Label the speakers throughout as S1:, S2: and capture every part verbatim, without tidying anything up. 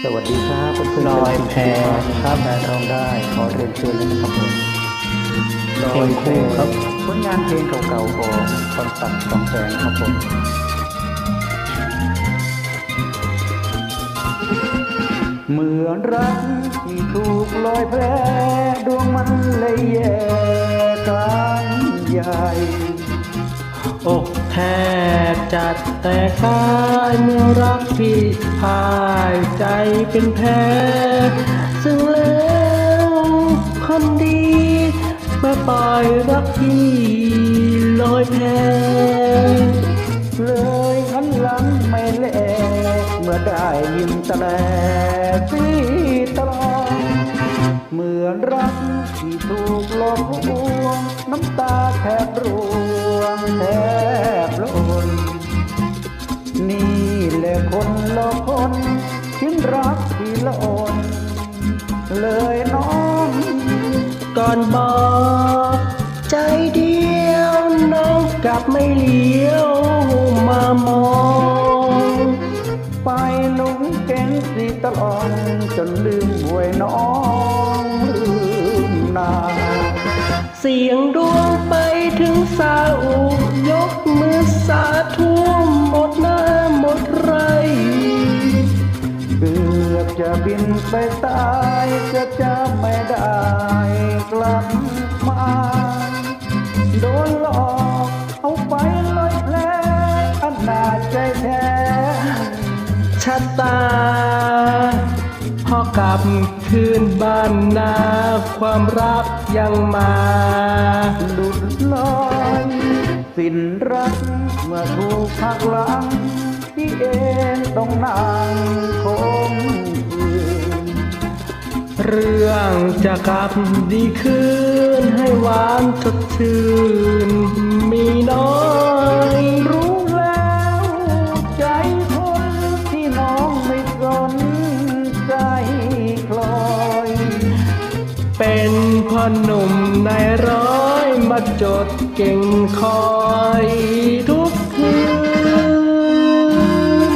S1: สวัสดีครับเพื่อนๆ
S2: ลอยแพ
S1: ครับแพรทองได้ขอเรียนเชิญเลยนะครับผมลอยแพครับผลงานเพลงเก่าๆของคอนตัดสองแสงครับผมเหมือนรักที่ถูกลอยแพดวงมันเลยแย่กันใหญ่
S2: อกแทบจัดแต่กายเมื่อรักพี่พายใจเป็นแพ้ซึ่งแล้วคนดีเมื่อปล่อยรักพี่ลอยแพ
S1: เลยหันหลังไม่แลเมื่อได้ยินตะแลตีตลอดเหมือนรักที่ถูกหลอกลวงน้ำตาแทบร่วงแทบล้นนี่แหละคนหลอกคนทิ้งรักที่ละอ่อนเลยน้อง
S2: ก่อนบอกใจเดียวน้องกลับไม่เลี้ยวมามอง
S1: ไปลุงเก่งสีตลอดจนลืมหวยน้องลืมนา
S2: เสียงดวงไปถึงสาอุยกมือสาธุหมดหน้าหมดไร
S1: เกือบจะบินไปตายจะจะไม่ได้กลับมาโดนหลอกเอาไปลอยแผลอันน่าใจแท้
S2: ชะตาพอกลับคืนบ้านนาความรักยังมา
S1: หลุดลอยสิ้นรักเมื่อถูกหักหลังที่เองต้องนั่งคมคืน
S2: เรื่องจะกลับดีคืนให้หวานสดชื่นมีน้อย
S1: รู้แล้วใจคนที่น้องไม่สนใจคลอย
S2: เป็นพ่อหนุ่มในร้อยมาจดเก่งคอยทุกคืน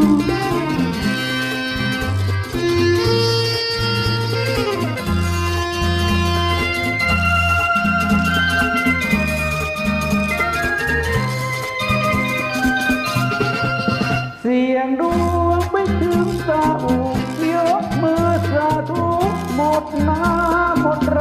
S1: เสียงดวงไปถึงสาอุยกมือสาธุหมดน้ำหมดไร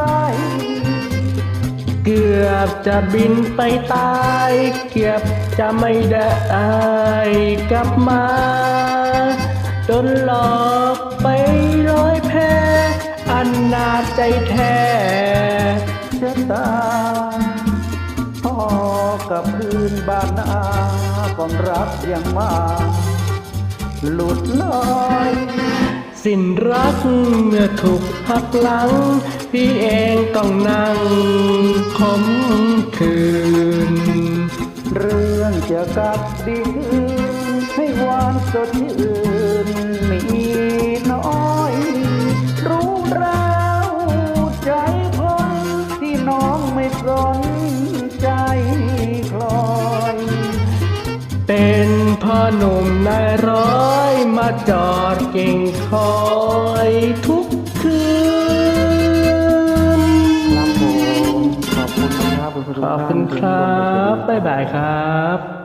S2: เกือบจะบินไปตายเกือบจะไม่ได้กลับมาโดนหลอกไปร้อยแพอันนาใจแท้
S1: ชะตาพ่อกับคืนบ้านนาความรักยังมาหลุดลอย
S2: สิ้นรักเมื่อถูกหักหลังพี่เองต้องนั่งคมคืน
S1: เรื่องจะกลับดีคืนให้หวานสดชื่นมีน้อยรู้แล้วใจคนที่น้องไม่สนใจคลอย
S2: เป็นพ่อหนุ่มนายร้อยมาจอดเก่งคอยทุกคืน
S1: ครับผมขอบคุณครับ
S2: ขอบคุณครับบ๊ายบายครับ